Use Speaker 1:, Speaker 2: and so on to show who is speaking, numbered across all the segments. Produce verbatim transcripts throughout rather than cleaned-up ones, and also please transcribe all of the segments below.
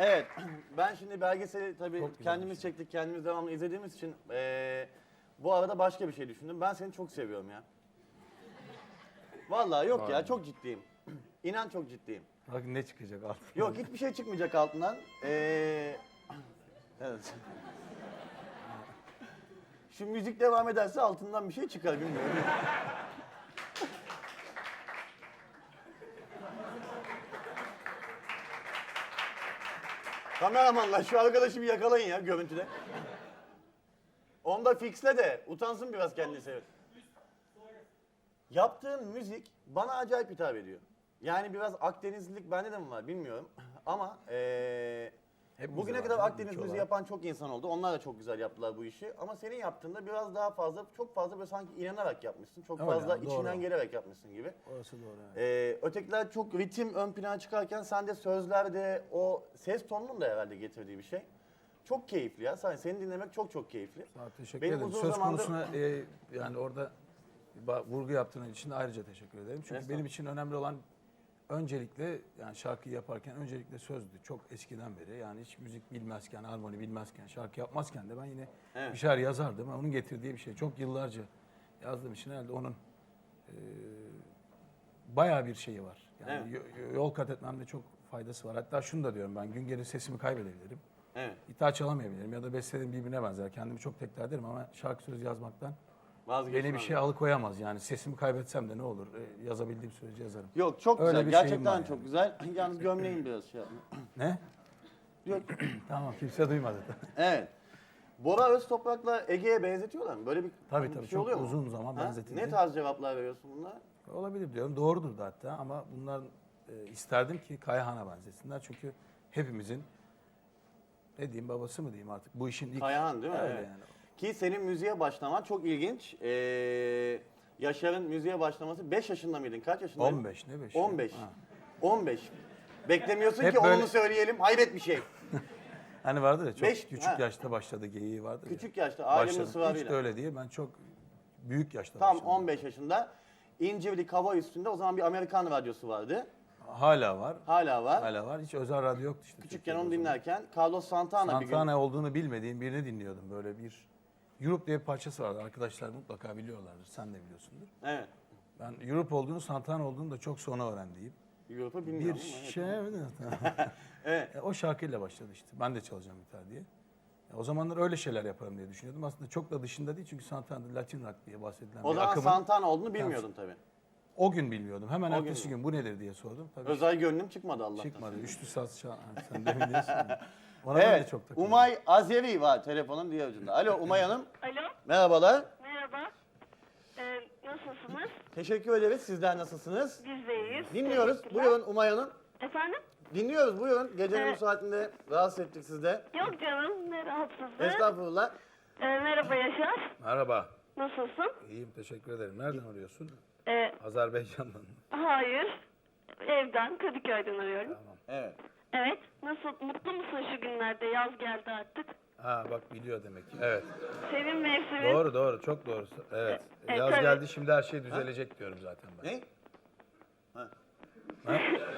Speaker 1: Evet, ben şimdi belgeseli tabii
Speaker 2: Çok güzel
Speaker 1: kendimiz
Speaker 2: bir şey.
Speaker 1: çektik, kendimiz devamlı izlediğimiz için eee, bu arada başka bir şey düşündüm. Ben seni çok seviyorum ya. Vallahi yok ya,
Speaker 2: Vay.
Speaker 1: çok ciddiyim. İnan çok ciddiyim.
Speaker 2: Bak ne çıkacak altından.
Speaker 1: Yok, hiçbir şey çıkmayacak altından. Eee evet. Şu müzik devam ederse altından bir şey çıkar bilmiyorum. Kameramanlar şu arkadaşı bir yakalayın ya görüntüde. Onu da fixle de utansın biraz kendisi. Evet. Yaptığın müzik bana acayip hitap ediyor. Yani biraz Akdenizlilik bende de mi var bilmiyorum. Ama eee
Speaker 2: Hepimizde
Speaker 1: bugüne
Speaker 2: var
Speaker 1: kadar
Speaker 2: canım,
Speaker 1: Akdeniz
Speaker 2: ülke
Speaker 1: müziği
Speaker 2: olarak.
Speaker 1: yapan çok insan oldu. Onlar da çok güzel yaptılar bu işi. Ama senin yaptığında biraz daha fazla, çok fazla böyle sanki inanarak yapmışsın. Çok
Speaker 2: Öyle
Speaker 1: fazla
Speaker 2: abi, doğru.
Speaker 1: içinden gelerek yapmışsın gibi.
Speaker 2: Orası doğru. Evet.
Speaker 1: Ee, ötekiler çok ritim ön plana çıkarken sen de sözlerde o ses tonunun da herhalde getirdiği bir şey. Çok keyifli ya. Sen, seni dinlemek çok çok keyifli.
Speaker 2: Sağ ol, teşekkür
Speaker 1: Benim
Speaker 2: ederim.
Speaker 1: uzun
Speaker 2: Söz
Speaker 1: zamandır-
Speaker 2: konusuna e, yani orada ba- vurgu yaptığın için de ayrıca teşekkür ederim. Çünkü
Speaker 1: Estağfurullah.
Speaker 2: benim için önemli olan öncelikle yani şarkıyı yaparken öncelikle sözdü. Çok eskiden beri yani hiç müzik bilmezken, harmoni bilmezken, şarkı yapmazken de ben yine
Speaker 1: Evet.
Speaker 2: bir şeyler yazardım. Ama onun getirdiği bir şey. Çok yıllarca yazdığım için herhalde onun e, bayağı bir şeyi var. Yani yo- yol kat etmemde çok faydası var. Hatta şunu da diyorum ben gün gelir sesimi kaybedebilirim.
Speaker 1: Evet.
Speaker 2: Gitar çalamayabilirim ya da bestelerim birbirine benzer. Kendimi çok tekrar ederim ama şarkı sözü yazmaktan
Speaker 1: Vazgeçmem.
Speaker 2: beni bir şey alıkoyamaz. Yani sesimi kaybetsem de ne olur? E, yazabildiğim sürece yazarım.
Speaker 1: Yok çok
Speaker 2: Öyle
Speaker 1: güzel.
Speaker 2: bir şeyim
Speaker 1: Gerçekten
Speaker 2: var
Speaker 1: çok
Speaker 2: yani.
Speaker 1: güzel. Yalnız gömleğin biraz şey yapma.
Speaker 2: Ne?
Speaker 1: Yok.
Speaker 2: Tamam kimse duymadı.
Speaker 1: Evet. Bora Öztoprak'la Ege'ye benzetiyorlar mı? Böyle bir,
Speaker 2: Tabii
Speaker 1: bir
Speaker 2: tabii,
Speaker 1: şey
Speaker 2: çok
Speaker 1: oluyor mu?
Speaker 2: uzun zaman
Speaker 1: Ha?
Speaker 2: benzetildi.
Speaker 1: Ne tarz cevaplar veriyorsun bunlara?
Speaker 2: Olabilir diyorum. Doğrudur da hatta ama bunlar e, isterdim ki Kayahan'a benzesinler. Çünkü hepimizin ne diyeyim babası mı diyeyim artık bu işin ilk...
Speaker 1: Kayahan değil mi?
Speaker 2: Öyle
Speaker 1: Evet.
Speaker 2: yani.
Speaker 1: Ki senin müziğe başlaman çok ilginç. Ee, Yaşar'ın müziğe başlaması beş yaşında mıydın? Kaç yaşındaydın?
Speaker 2: on beş ne beş?
Speaker 1: on beş.
Speaker 2: Ha.
Speaker 1: on beş. Beklemiyorsun
Speaker 2: Hep
Speaker 1: ki
Speaker 2: böyle-
Speaker 1: onu söyleyelim. Hayret bir şey.
Speaker 2: Hani vardır ya çok
Speaker 1: Beş-
Speaker 2: küçük
Speaker 1: ha.
Speaker 2: yaşta başladı geyiği vardır ya.
Speaker 1: Küçük yaşta, ailenin
Speaker 2: Başladım.
Speaker 1: ısrarıyla.
Speaker 2: Hiç de öyle değil. Ben çok büyük yaşta
Speaker 1: Tam
Speaker 2: başladım.
Speaker 1: on beş yaşında. İncirlik hava üstünde o zaman bir Amerikan radyosu vardı.
Speaker 2: Hala var.
Speaker 1: Hala var.
Speaker 2: Hala var. Hiç özel radyo yoktu işte.
Speaker 1: Küçükken
Speaker 2: Türkiye'de
Speaker 1: onu
Speaker 2: o zaman.
Speaker 1: dinlerken Carlos Santana, bir gün...
Speaker 2: Santana olduğunu bilmediğim birini dinliyordum. Böyle bir Europe diye bir parçası vardı. Arkadaşlar mutlaka biliyorlardır. Sen de biliyorsundur.
Speaker 1: Evet.
Speaker 2: Ben Europe olduğunu, Santana olduğunu da çok sonra öğrendiğim.
Speaker 1: Europe'u
Speaker 2: Bir
Speaker 1: bilmiyorum ama evet.
Speaker 2: şey...
Speaker 1: Evet.
Speaker 2: E, o şarkıyla başladı işte. Ben de çalacağım gitar diye. E, o zamanlar öyle şeyler yaparım diye düşünüyordum. Aslında çok da dışında değil çünkü Santana'da Latin rock diye bahsedilen
Speaker 1: O
Speaker 2: bir
Speaker 1: zaman
Speaker 2: akımın...
Speaker 1: Santana olduğunu bilmiyordun tabii.
Speaker 2: O gün bilmiyordum. Hemen
Speaker 1: O
Speaker 2: ertesi
Speaker 1: gün.
Speaker 2: gün bu nedir diye sordum. Tabii
Speaker 1: Özel gönlüm çıkmadı Allah'tan.
Speaker 2: çıkmadı. Üçlü saz çal... Ha, sen demin diyorsun. Ona ben de
Speaker 1: Evet.
Speaker 2: çok takıldım.
Speaker 1: Umay Azeri var telefonun diğer ucunda. Alo Umay Hanım.
Speaker 3: Alo,
Speaker 1: Merhabalar.
Speaker 3: merhaba. Ee, nasılsınız?
Speaker 1: Teşekkür ederiz. Sizler nasılsınız?
Speaker 3: Biz de iyiyiz.
Speaker 1: Dinliyoruz.
Speaker 3: Teşekkürler.
Speaker 1: Buyurun Umay Hanım.
Speaker 3: Efendim?
Speaker 1: Dinliyoruz buyurun. Gecenin bu
Speaker 3: Evet.
Speaker 1: saatinde rahatsız ettik siz de.
Speaker 3: Yok canım, ne rahatsızlığı.
Speaker 1: Estağfurullah.
Speaker 3: Ee, merhaba Yaşar.
Speaker 2: Merhaba.
Speaker 3: Nasılsın?
Speaker 2: İyiyim teşekkür ederim. Nereden arıyorsun?
Speaker 3: Ee,
Speaker 2: Azerbaycan'dan.
Speaker 3: hayır. Evden, Kadıköy'den arıyorum.
Speaker 2: Tamam.
Speaker 1: Evet.
Speaker 3: Evet. Nasıl, mutlu musun şu günlerde? Yaz geldi artık.
Speaker 2: Ha bak biliyor demek ki. Evet.
Speaker 3: Sevin mevsimi.
Speaker 2: Doğru doğru çok doğru. Evet.
Speaker 3: E,
Speaker 2: Yaz
Speaker 3: tabii.
Speaker 2: geldi şimdi her şey düzelecek diyorum zaten ben.
Speaker 1: Ne? Ha.
Speaker 2: Ha?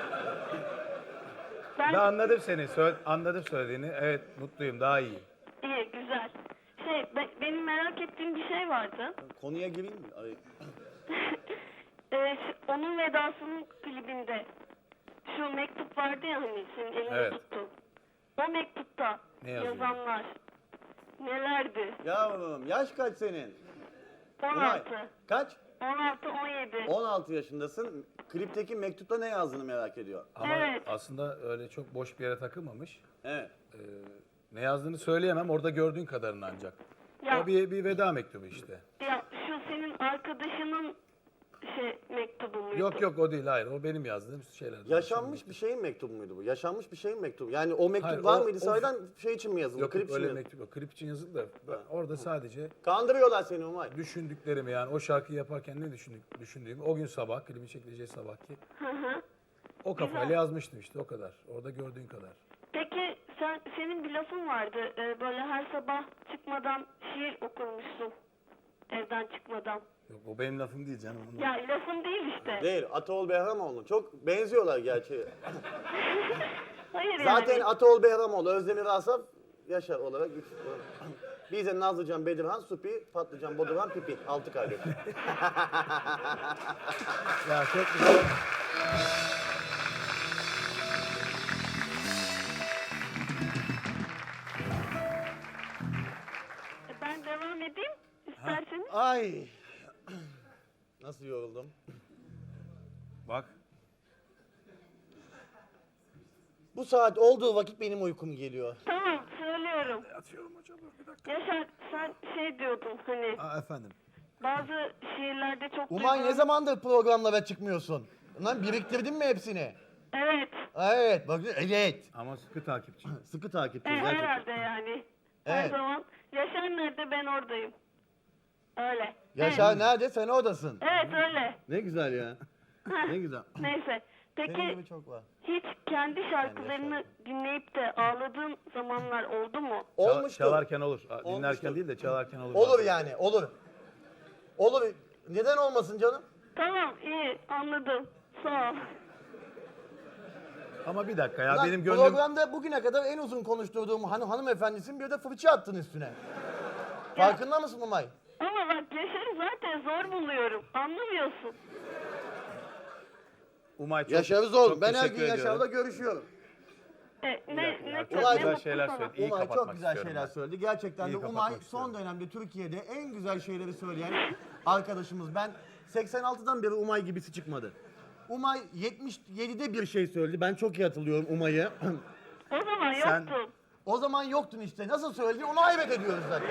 Speaker 3: Ben,
Speaker 2: Ben anladım seni. Söyle, anladım söylediğini. Evet mutluyum daha iyi.
Speaker 3: iyi, güzel. Şey, be- benim merak ettiğim bir şey vardı.
Speaker 1: Konuya gireyim mi? Ay,
Speaker 3: Ee, şu- onun vedasının klibinde şu mektup vardı ya hani senin elinde
Speaker 2: Evet.
Speaker 3: tuttu. O mektupta
Speaker 2: Ne yazıyordu?
Speaker 3: yazanlar nelerdi?
Speaker 1: Yavrum yaş kaç senin?
Speaker 3: on
Speaker 1: Umay,
Speaker 3: altı.
Speaker 1: Kaç?
Speaker 3: on altı on yedi.
Speaker 1: on altı yaşındasın. Klipteki mektupta ne yazdığını merak ediyor.
Speaker 2: Ama
Speaker 3: Evet.
Speaker 2: aslında öyle çok boş bir yere takılmamış.
Speaker 1: Evet.
Speaker 2: Ee, ne yazdığını söyleyemem. Orada gördüğün kadarını ancak.
Speaker 3: Ya,
Speaker 2: O bir, bir veda mektubu işte.
Speaker 3: ya şu senin arkadaşının şey mektubu muydu?
Speaker 2: Yok yok o değil hayır. O benim yazdığım şeyler.
Speaker 1: Yaşanmış bir şeyin mektubu muydu bu? Yaşanmış bir şeyin mektubu. Yani o mektup
Speaker 2: Hayır,
Speaker 1: var
Speaker 2: o-
Speaker 1: mıydı?
Speaker 2: o-
Speaker 1: Sahiden şey için mi yazıldı?
Speaker 2: Yok
Speaker 1: klip
Speaker 2: yok
Speaker 1: için mi
Speaker 2: öyle
Speaker 1: yazıldı?
Speaker 2: mektup yok. Klip için yazıldı da ben orada sadece
Speaker 1: Kandırıyorlar seni Umay.
Speaker 2: düşündüklerimi yani o şarkıyı yaparken ne düşündük, düşündüğümü o gün sabah klibin çekileceği sabahki
Speaker 3: Hı hı.
Speaker 2: o kafayla
Speaker 3: Güzel.
Speaker 2: yazmıştım işte o kadar. Orada gördüğün kadar.
Speaker 3: Peki sen senin bir lafın vardı. Ee, böyle her sabah çıkmadan şiir okurmuşsun. Evden çıkmadan.
Speaker 2: Yok o benim lafım değil canım. Onu...
Speaker 3: Ya lafın değil işte.
Speaker 1: Değil, Ataol Behramoğlu. Çok benziyorlar gerçi.
Speaker 3: Hayır
Speaker 1: Zaten
Speaker 3: yani.
Speaker 1: Ataol Behramoğlu, Özdemir Asaf, Yaşar olarak üç. Biz de Nazlıcan, Bedirhan, Supi, Patlıcan, Bodurhan, Pipi. Altı kardeş.
Speaker 2: Ya çok güzel.
Speaker 3: E, Ben devam edeyim isterseniz.
Speaker 1: Ay. Nasıl yoruldum?
Speaker 2: Bak.
Speaker 1: Bu saat olduğu vakit benim uykum geliyor.
Speaker 3: Tamam söylüyorum.
Speaker 2: Atıyorum hocam bir dakika.
Speaker 3: Yaşar sen şey diyordun hani
Speaker 2: Aa, efendim.
Speaker 3: bazı şiirlerde çok
Speaker 1: Umay ne
Speaker 3: duygulan-
Speaker 1: zamandır programlara çıkmıyorsun? Lan biriktirdin mi hepsini?
Speaker 3: Evet.
Speaker 1: Evet, bak evet.
Speaker 2: Ama sıkı takipçi.
Speaker 1: Sıkı takipçi
Speaker 3: E,
Speaker 1: gerçekten.
Speaker 3: herhalde yani. Her
Speaker 1: Evet.
Speaker 3: zaman Yaşar nerede ben oradayım. Öyle.
Speaker 1: Yaşar
Speaker 3: Evet.
Speaker 1: nerede? Sen oradasın.
Speaker 3: Evet öyle.
Speaker 1: Ne güzel ya. ne güzel.
Speaker 3: Neyse.
Speaker 1: Senin
Speaker 3: Peki
Speaker 1: gibi çok var.
Speaker 3: hiç kendi şarkılarını dinleyip de ağladığın zamanlar oldu mu?
Speaker 1: Olmuştur.
Speaker 2: Çalarken olur. Dinlerken
Speaker 1: Olmuştur.
Speaker 2: değil de çalarken olur.
Speaker 1: Olur yani, olur. Olur. Neden olmasın canım?
Speaker 3: Tamam iyi anladım. Sağ ol.
Speaker 2: Ama bir dakika ya
Speaker 1: Lan
Speaker 2: benim gönlüm...
Speaker 1: programda bugüne kadar en uzun konuşturduğum han hanımefendisin, bir de fırça attın üstüne. Farkında mısın Umay?
Speaker 3: Ama bak Yaşar'ı zaten zor buluyorum. Anlamıyorsun.
Speaker 2: Umay çok,
Speaker 1: Yaşar'ı zor.
Speaker 2: çok
Speaker 1: Ben her
Speaker 2: teşekkür
Speaker 1: gün
Speaker 2: ediyorum.
Speaker 1: Yaşar'la görüşüyorum.
Speaker 3: E, ne,
Speaker 2: dakika
Speaker 3: ne,
Speaker 2: ya,
Speaker 3: ne,
Speaker 2: çok
Speaker 3: ne
Speaker 1: güzel
Speaker 3: mutlu
Speaker 2: şeyler
Speaker 3: sana.
Speaker 2: söyledi. İyi
Speaker 1: Umay çok
Speaker 2: kapatmak
Speaker 1: güzel
Speaker 2: istiyorum
Speaker 1: şeyler
Speaker 2: ben.
Speaker 1: söyledi. Gerçekten
Speaker 2: İyi
Speaker 1: de
Speaker 2: kapatmak
Speaker 1: Umay son
Speaker 2: istiyorum.
Speaker 1: dönemde Türkiye'de en güzel şeyleri söyleyen arkadaşımız. Ben seksen altıdan beri Umay gibisi çıkmadı. Umay yetmiş yedide bir şey söyledi. Ben çok iyi hatırlıyorum Umay'ı.
Speaker 3: O zaman
Speaker 2: Sen-
Speaker 3: yoktum.
Speaker 1: O zaman yoktun işte. Nasıl söyledi onu hayret ediyoruz zaten.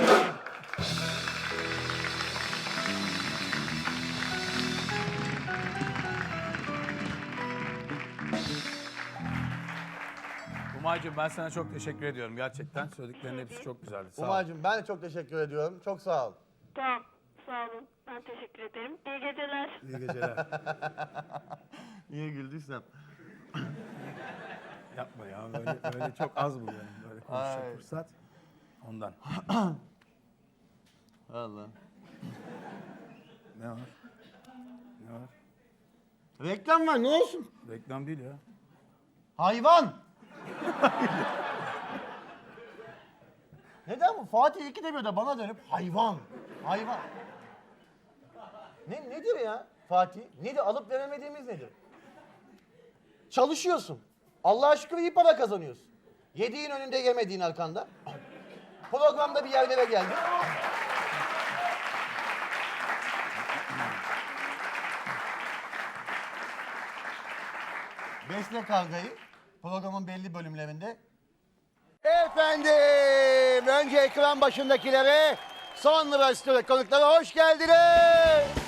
Speaker 2: Umay'cığım ben sana çok teşekkür ediyorum gerçekten. Söylediklerinin hepsi çok güzeldi. Sağ ol.
Speaker 1: Umay'cığım ben de çok teşekkür ediyorum. Çok sağ ol.
Speaker 3: Tamam. Sağ olun. Ben teşekkür ederim. İyi geceler.
Speaker 2: İyi geceler.
Speaker 1: Niye güldüysem.
Speaker 2: Yapma ya böyle, böyle çok az buluyorum böyle konuşacak
Speaker 1: Ay.
Speaker 2: fırsat. Ondan.
Speaker 1: Allah.
Speaker 2: Ne var? Ne var?
Speaker 1: Reklam var ne olsun?
Speaker 2: Reklam değil ya.
Speaker 1: Hayvan. Neden bu? Fatih ikide bir de bana dönüp hayvan. Hayvan. Ne, nedir ya Fatih? Nedir? Alıp veremediğimiz nedir? Çalışıyorsun. Allah'a şükür iyi para kazanıyorsun. Yediğin önünde yemediğin arkanda. Programda bir yerlere geldin. Besle Kavga'yı programın belli bölümlerinde. Efendim, önce ekran başındakilere, sonra stüdyo konuklara hoş geldiniz.